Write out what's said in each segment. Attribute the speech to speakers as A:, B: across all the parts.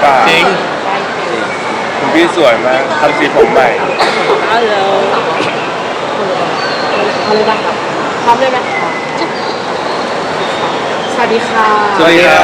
A: ปล่า
B: จริง
A: คุณพี่สวยมากทำสีผมใหม่
C: ฮัลโหลเอาเลยป่ะพร้อมเลยไหมสวัสดีค่ะ
A: สวัสดีครับ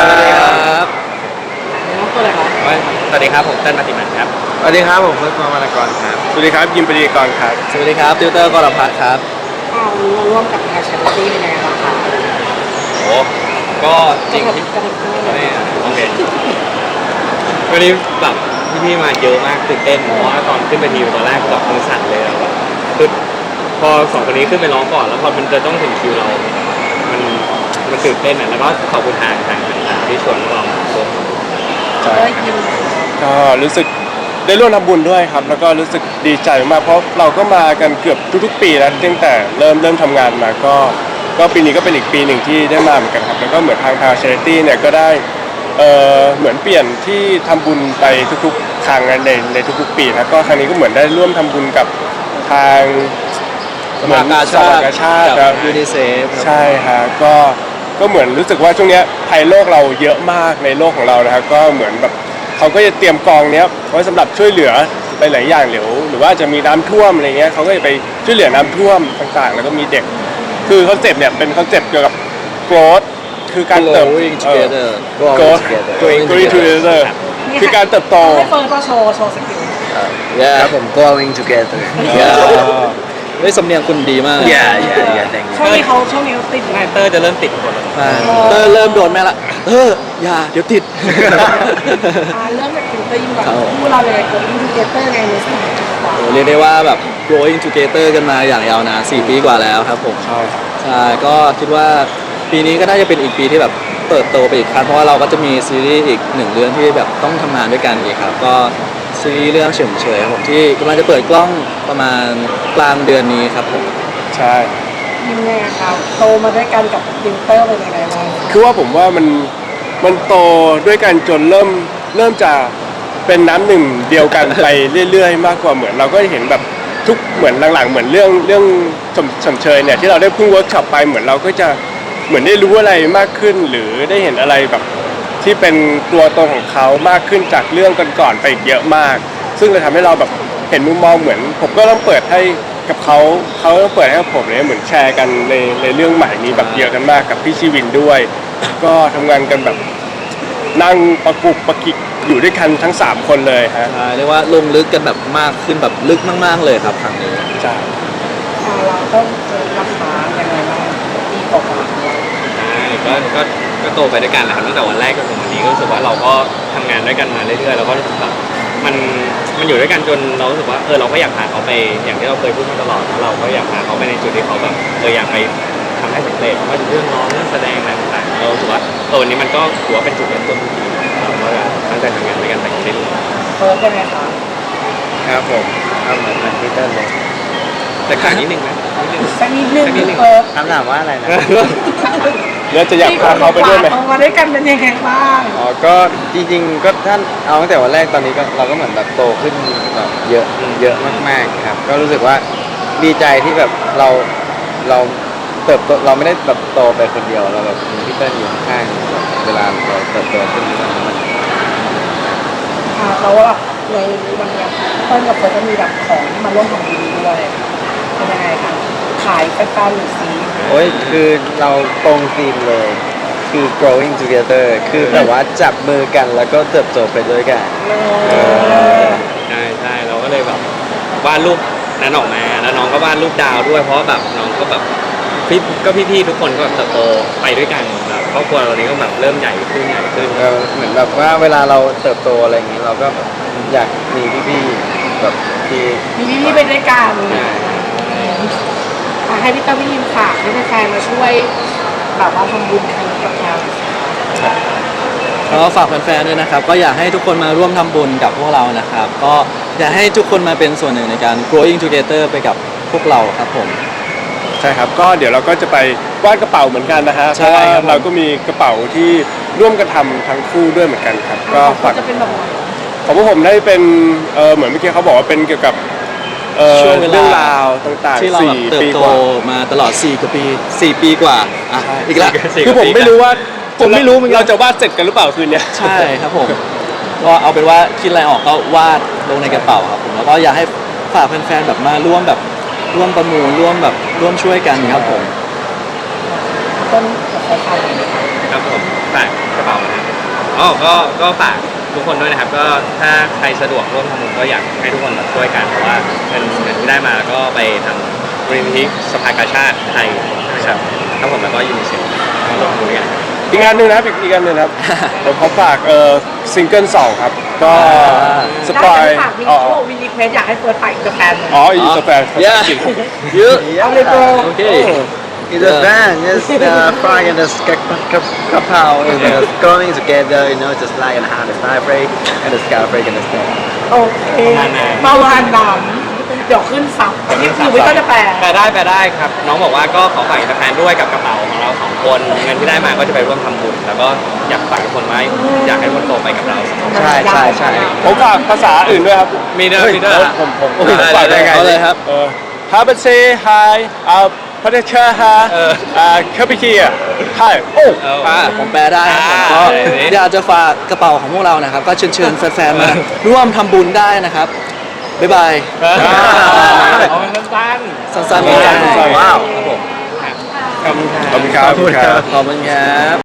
C: น้องตัวอะไรคะ
B: สวัสดีครับผมเต้นมาติมันครับ
A: สวัสดีครับผมเฟิร์สมานากรครับสวัสดีครับยิมปรีกรครับ
B: สวัสดีครับติวเตอร์กรพัฒน์ครับ
C: วันนี้มาร่วมกับงานชาริตี้เป็นยังไงบ้างคะ
B: โอ้ก็จริงที่
C: กระดิ่งเลย
B: โอเควันนี้แบบพี่ๆมาเยอะมากตื่นเต้นเพราะว่าตอนขึ้นไปทีตอนแรกแบบมือสั่นเลยแล้วแบบคือพอสองคนนี้ขึ้นไปร้องก่อนแล้วพอมันจะต้องถึงคิวเรา มันตื่นเต้นอ่ะแล้วก็ขอบคุณทางที่ชวนพวกเรามาร่วม
C: ก็ยิ้ม
A: ก็รู้สึกได้ร่วมทำบุญด้วยครับแล้วก็รู้สึกดีใจมากเพราะเราก็มากันเกือบทุกๆปีแล้วตั้งแต่เริ่มทำงานมาก็ปีนี้ก็เป็นอีกปีหนึ่งที่ได้มาเหมือนกันครับแล้วก็เหมือนทางชาริตี้เนี่ยก็ได้เหมือนเปลี่ยนที่ทำบุญไปทุกๆครั้งในทุกๆปีนะก็ครั้งนี้ก็เหมือนได้ร่วมทำบุญกับทาง
B: สภากาชาติ
A: ครับ
B: ยูนิเซฟ
A: ใช่ฮะก็เหมือนรู้สึกว่าช่วงเนี้ยภัยโลกเราเยอะมากในโลกของเรานะครับก็เหมือนแบบเขาก็จะเตรียมกองเนี้ยไว้สำหรับช่วยเหลือไปหลายอย่างหรือว่าจะมีน้ำท่วมอะไรเงี้ยเขาก็จะไปช่วยเหลือน้ำท่วมต่างๆ แล้วก็มีเด็กคือคอนเซปต์เนี่ยเป็นคอนเซปต์เกี่ยวกับ growth คือการเติบ
B: Growing together
A: growth growing together คือการเติบโต
C: ให้เฟิร์นก็โชว์สกิล
B: ครับผม growing together เฮ้ยสำเนียงคุณดีมาก
C: ช่วงนี้เขาติดงาน
B: เตอร์จะเริ่มติดคนเตอร์เริ่มโดนแม่ละอย่าเดี๋ยวติด
C: เริ่มจากติวเตอร์ยิ้มก่อนคู่เราเลยเกิดอินดิเคเตอร์ไงในสมัยก่อน
B: โอ้เรียกได้ว่าแบบ growing together กันมาอย่างยาวนาน4 ปีกว่าแล้วครับผม
A: ใช่ครับ
B: ใช่ก็คิดว่าปีนี้ก็น่าจะเป็นอีกปีที่แบบเติบโตไปอีกครั้งเพราะว่าเราก็จะมีซีรีส์อีก1 เรื่องที่แบบต้องทำงานด้วยกันอีกครับก็ซีรีส์เรื่องเฉยเฉยครับผมที่กำลังจะเปิดกล้องประมาณกลางเดือนนี้ครับผม
A: ใช่
C: ยิ้มไงครับโตมาด้วยกันกับติวเตอร์เป็นยังไงบ้าง
A: คือว่าผมว่ามันโตด้วยกันจนเริ่มจะเป็นน้ำหนึ่งเดียวกันไปเรื่อยๆ มากกว่าเหมือนเราก็เห็นแบบทุกเหมือนหลังๆเหมือนเรื่องชมเชยเนี่ยที่เราได้เพิ่งเวิร์กช็อปไปเหมือนเราก็จะเหมือนได้รู้อะไรมากขึ้น หรือได้เห็นอะไรแบบที่เป็นตัวตนของเขามากขึ้นจากเรื่องก่อนๆไปอีกเยอะมาก ซึ่งเลยทำให้เราแบบเห็นมุมมองเหมือนผมก็ต้องเปิดให้กับเขาต้องเปิดให้กับผมเลยเหมือนแชร์กันในเรื่องใหม่นี้แบบเยอะกันมากกับพี่ชีวินด้วย ก็ทำงานกันแบบนั่งประกุกประกิกอยู่ด้วยกันทั้ง3คนเลยฮะ
B: ใช่เรียกว่าลงลึกกันแบบมากขึ้นแบบลึกมากๆเลยครับครั้งนี้
A: ใช่
C: เราต้องเจอราคายังไงบ้างปีกว่า
B: ใช่ก็โตไปด้วยกันแหละครับตั้งแต่วันแรกจนถึงวันนี้ก็รู้สึกว่าเราก็ทำงานด้วยกันมาเรื่อยๆแล้วก็รู้สึกแบบมันอยู่ด้วยกันจนเรารู้สึกว่าเราก็อยากพาเขาไปอย่างที่เราเคยพูดมาตลอดเราก็อยากพาเขาไปในจุดที่เขาแบบอยากไปทำให้สำเร็จว่าจะเรื่องร้องเรื่องแสดงอะไรต่างๆเรารู้สึกว่าวันนี้มันก็ถือว่าเป็นจุดเริ่มต้นที่ดีเราก็ตั้งใจทำงานด้วยกันไปเรื่อย
C: เฟิร์สยังไงคะ
A: ครับผมก็เหมือนพีเตอร์เลย
B: ๆแต่ขาดนิดนึงนะนิดนึง
C: สักนิดนึงเฟิร์ส
A: คำถามว่าอะไรนะแล้วจะอยากพาเขาไปด้วยไหม
C: ออกมาด้วยกันเป็นยังไงบ้าง
D: อ๋อก็จริงๆก็ท่านเอาตั้งแต่วันแรกตอนนี้ก็เราก็เหมือนแบบโตขึ้นแบบเยอะมากๆครับก็รู้สึกว่าดีใจที่แบบเราเติบโตเราไม่ได้แบบโตไปคนเดียวเราแบบมีพี่เติ้ลอยู่ข้างๆแบบเวลาเราเติบโตขึ้นมัน
C: เราว่าในวันนี้เฟิร์สกับเฟิร์สจะมีแบบของที่มาร่วมทำบุญด้วยเป็นยังไงคะขายแฟนๆหรือซี
D: โอ้ยคือเราตรงธีมเลยคือ growing together คือแบบว่าจับมือกันแล้วก็เติบโตไปด้วยกัน
B: ใช่เราก็เลยแบบวาดรูปนั้นออกมาแล้วน้องก็วาดรูปดาวด้วยเพราะว่าแบบน้องก็แบบพี่ๆทุกคนก็เติบโตไปด้วยกันแบบครอบครัวเรานี้ก็แบบเริ่มใหญ่ขึ้น
D: เหมือนแบบว่าเวลาเราเติบโตอะไรอย่างนี้เราก็แบบอยากมีพี่ๆแบบที่
C: มีพี่ๆไปด้วยกันให้พี่ต้าพี่ยิมฝากให้แฟนๆมาช่วยแบบว่าทำบุญครั้งนี้กับเรา
B: ก็ฝากแฟนๆด้วยนะครับก็อยากให้ทุกคนมาร่วมทำบุญกับพวกเรานะครับก็อยากให้ทุกคนมาเป็นส่วนหนึ่งในการ growing together ไปกับพวกเราครับผม
A: ใช่ครับก็เดี๋ยวเราก็จะไปวาดกระเป๋าเหมือนกันนะฮะเพ
B: ใช่
A: ราะว่า
B: ครับ
A: เราก็มีกระเป๋าที่ร่วมกันทำทั้งคู่ด้วยเหมือนกันครับก็ฝาก
C: จะเป็นแบบไหน
A: ของพวกผมได้เป็นเหมือนเมื่อกี้เขาบอกว่าเป็นเกี่ยวกับ
B: ช่วงเวลา
A: เรื่องราวต่าง
B: ที่
A: ๆ
B: เราแบบ
A: 4
B: เติบ
A: ปี
B: โต
A: กว่า
B: มาตลอด4 กว่าปี4 ปีกว่าอ่ะอีกแล้ว
A: คือผมไม่รู้ว่าเราจะวาดเสร็จกันหรือเปล่าคืนเนี้ย
B: ใช่ครับผม
E: ก็เอาเป็นว่าคิดอะไรออกก็วาดลงในกระเป๋าครับผมแล้วก็อยากให้ฝากแฟนๆแบบมาร่วมประมูลร่วมช่วยกันครับผม
C: ต้นกับใครเลยนะคะ
B: ครับผมฝากกระเป๋านะครับอ๋อก็ฝากทุกคนด้วยนะครับ ก็ถ้าใครสะดวกร่วมทำบุญก็อยากให้ทุกคนแบบช่วยกันเพราะว่าเงินที่ได้มาก็ไปทำมูลนิธิสภากาชาติไทยนะครับครับผมแล้วก็ยูนิเซฟก็ร่วมมือกัน
A: อีกงานหนึ่งนะครับอีกงานหนึ่งนะครับ ผมขอฝากซิงเกิล2ครับก็สปอย
C: ฝากมี
A: อ๋อ
C: เขาบอกมีรีเควสอยากให้เฟิร์สไปอินเตอร์แฟนเลย
A: อ๋ออีสแปนภาษาอังกฤษ
C: เอาเลยโบ
E: Okay.
D: In the van, just frying and just kapow and just going together, you know, just like and how the sky break and the sky break and the sky.
C: โอเคประมาณนั้นเดี๋ยวขึ้นซับนี่คือวิก็จะแปล
B: แปลได้ครับ น้องบอกว่าก็ขอฝากอินเตอร์แฟนด้วยกับกระเป๋าของเราสองคนเงินที่ได้มาก็จะไปร่วมทำบุญแล้วก็อยากฝากทุกคนไว้อยากให้ทุกคนโตไปกับเรา
D: ใช่
A: ผมฝากภาษาอื่นด้วยครับ
B: มีเด้อ
A: ผมฝากได้ไง
E: เอาเลยครับ
A: ฮาเบเซ่ไฮพัทเชอร์ฮาเคปิเคียไฮโอ้
E: ผมแปลได้ครับผมก็
B: นี่
E: อยากจะฝากกระเป๋าของพวกเรานะครับ ก็เชิญแฟนๆมาร่วมทำบุญได้นะครับ บ๊ายบาย
B: เอาสั้น
E: สั้นๆเหมือนกัน
A: ว้าว
E: ครับผม
B: ๆขอบคุณครับ
A: ขอบคุณครับ
E: ขอบคุณครับ